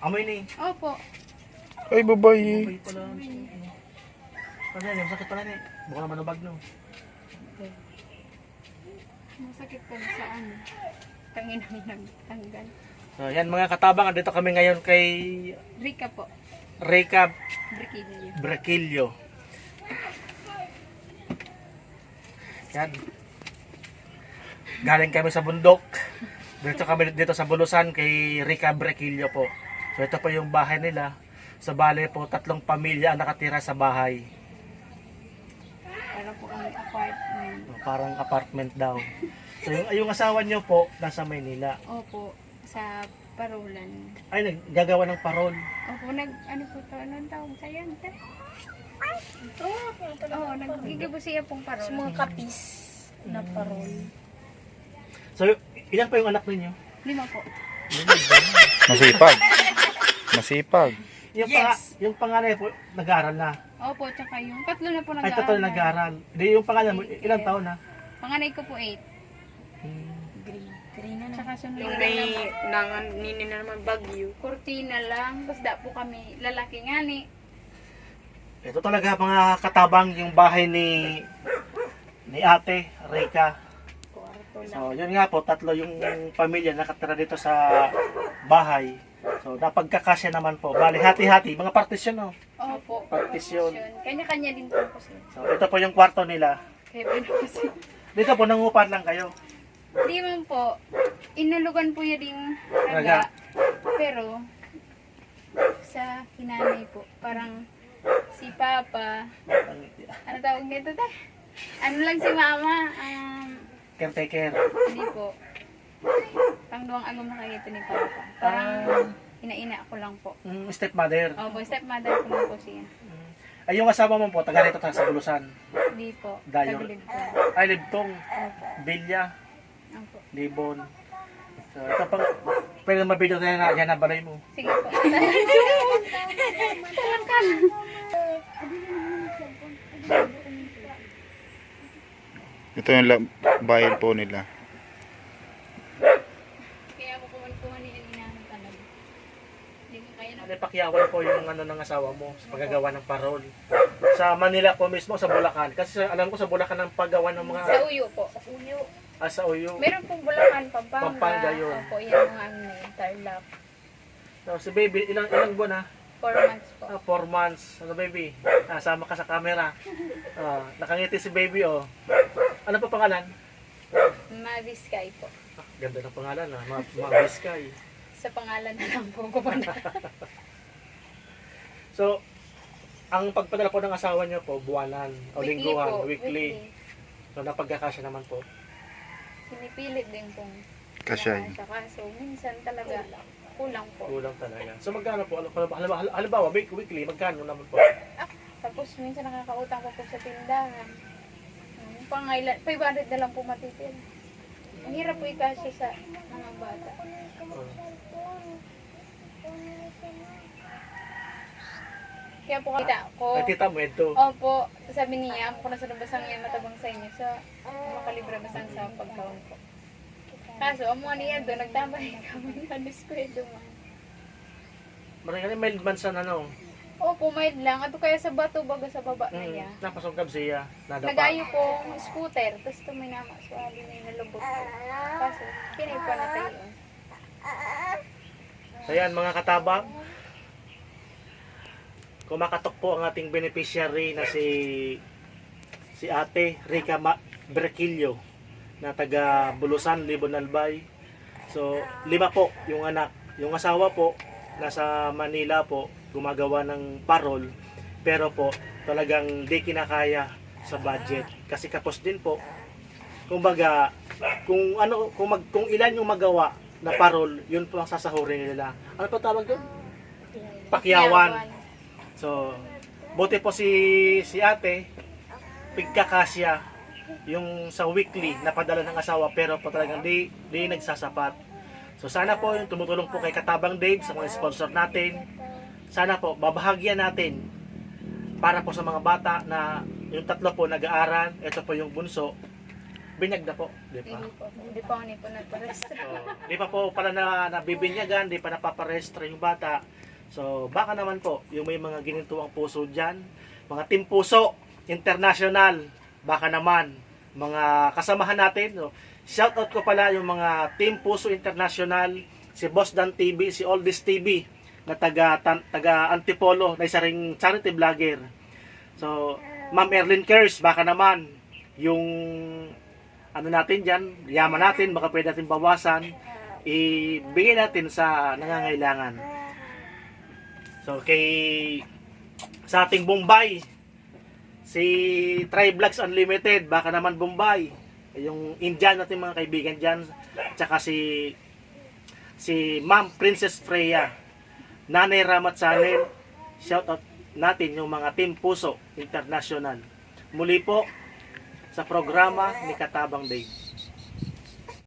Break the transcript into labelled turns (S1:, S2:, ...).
S1: Amoy ni.
S2: Opo.
S3: Ay, babae.
S1: Amoy pala. Ano yan? Yung sakit pala ni. Baka naman nabag no.
S2: Masakit po sa ano. Tanginang nagtanggal.
S1: So yan mga katabang, andito kami ngayon kay
S2: Rika po.
S1: Rika
S2: Briquillo.
S1: Braquillo. Yan. Galing kami sa bundok. Dito kami dito sa Bulusan kay Rika Braquillo po. So ito po yung bahay nila. Sa bale po, 3 pamilya ang nakatira sa bahay.
S2: Para po ang apartment.
S1: Parang apartment daw. So yung asawa nyo po, nasa Maynila.
S2: Opo. Sa Parolan.
S1: Ay, naggagawa ng parol.
S2: Opo, ano po to? Anong tawag sa yan? Oo, nagigibo siya pong parol.
S4: Sa mga kapis na parol.
S1: So, ilan pa yung anak ninyo?
S2: 5 po.
S3: Masipag. Masipag.
S1: Yung,
S4: Yes.
S1: yung panganay po, nag-aaral na.
S2: Opo, tsaka yung 3 na po
S1: Ay,
S2: nag-aaral.
S1: totoo nag-aaral. Hindi, yung pangalan mo, ilang taon na?
S2: Panganay ko po 8.
S4: Green na na.
S2: Tsaka sunod
S4: Yung
S2: na
S4: may
S2: lang po.
S4: nini na naman bagyo.
S2: Kurtina lang. Basta po kami lalaki nga ni.
S1: Ito talaga mga katabang yung bahay ni Ate Rika.
S4: Kwarto lang.
S1: So, yun nga po, 3 yung pamilya nakatira dito sa bahay. So, napagkakasya naman po. Bali, hati-hati, mga partisyon, no?
S2: Opo.
S1: Partisyon.
S2: Kanya-kanya din po po sila.
S1: So, ito po yung kwarto nila.
S2: Kaya po po sila.
S1: Dito po, nangupan lang kayo.
S2: Di man po. Inalugan po yun ding
S1: Raga.
S2: raga. Pero, sa kinanay po, parang si Papa, ano tawag nito ta? Ano lang si Mama,
S1: Caretaker.
S2: hindi po. Pangduang agam na kayo ito ni Papa. Parang ina-ina ako lang po.
S1: Stepmother.
S2: Opo, stepmother ko na po siya.
S1: Ay, yung asawa mo po, taga rito sa Bulusan.
S2: Hindi po.
S1: Dayo.
S2: Tagilid po.
S1: Ay, Libtong,
S2: Opo.
S1: Bilya,
S2: Opo.
S1: Libon. So, ito pang, pwede mabidyo tayo na, yan na balay mo.
S2: Sige po.
S3: Ito yung bahay po nila.
S2: Kaya ako kuman ni inahan talaga. Hindi ko kaya na.
S1: Ano, pakyawan po yung ano ng asawa mo sa paggagawa ng parol. Sa Manila po mismo, sa Bulacan. Kasi alam ko sa Bulacan ang paggawa ng mga
S2: Sa uyo po.
S1: sa Uyo.
S2: Meron pong Bulacan, Pampanga.
S1: Pampanga yun.
S2: Opo, yan mga ano na yun, Tarlac.
S1: So, si baby, ilang buwan ha?
S2: 4 months po.
S1: 4 months. Ano baby? Sama ka sa camera. Nakangiti si baby oh. Ano pa pangalan?
S2: Maviskay po.
S1: Ganda ng pangalan ha. Mabiskay.
S2: Sa pangalan na lang po ko pa na.
S1: So, ang pagpadala po ng asawa niyo po, buwanan o lingguhan,
S2: po.
S1: weekly. So, napagkakasya naman po.
S2: Sinipilit din pong
S3: Kasya yun.
S2: sa kaso. Minsan talaga kulang po.
S1: Kulang talaga. So, magkano po? Halimbawa, weekly, magkano naman po?
S2: Tapos minsan nakakautang ko po sa tindahan. Pangailan, 500 na lang po matitira. Ang hirap po ikasya sa mga bata. Kaya po kita ko.
S1: Ay, tita mo, ito.
S2: Opo, sabi niya, ako na sa labasang yan matabang sa inyo sa makalibra basang sa pagkaon ko. Kaso, ang mga niya doon, nagtambay kami na diskwento man.
S1: Maraming mild man sa ano.
S2: Opo, mild lang. Ato kaya sa bato, baga sa baba na niya.
S1: Napasungkab siya. Nadapa.
S2: Nagayo po scooter, tapos tuminama sa hali na yung nalubog ko. Kaso, kinaipa na tayo.
S1: So yan mga katabang, kumakatok po ang ating beneficiary na si Ate Rika Braquillo na taga Bulusan, Libon Albay. So 5 po yung anak. Yung asawa po nasa Manila po gumagawa ng parol, pero po talagang di kinakaya sa budget kasi kapos din po. Kumbaga kung ilan yung magawa na parol, yun po ang sasahurin nila. Ano pa tawag doon? Pakyawan. So, buti po si ate, pigkakasya yung sa weekly na padala ng asawa, pero po talagang di nagsasapat. So, sana po yung tumutulong po kay Katabang Dave sa mga sponsor natin. Sana po, babahagyan natin para po sa mga bata na yung 3 po nag-aaral, ito po yung bunso. binyag na po, di ba?
S2: Hindi pa ako nipo na pares.
S1: Di pa po pala na nabibinyagan, di pa napaparestra yung bata. So, baka naman po, yung may mga ginintuang puso dyan, mga Team Puso International, baka naman, mga kasamahan natin. So, shoutout ko pala yung mga Team Puso International, si Boss Dan TV, si Oldies TV, na taga Antipolo, na isa ring charity vlogger. So, Ma'am Erlyn Kers, baka naman, yung ano natin dyan, yaman natin, baka pwede natin bawasan, ibigay natin sa nangangailangan. So, sa ating Bombay, si Trivlogs Unlimited, baka naman Bombay, yung Indian natin mga kaibigan dyan, tsaka si Ma'am Princess Freya, Nanay Ramat Channel, shout out natin yung mga Team Puso International. Muli po sa programa ni Katabang Dave.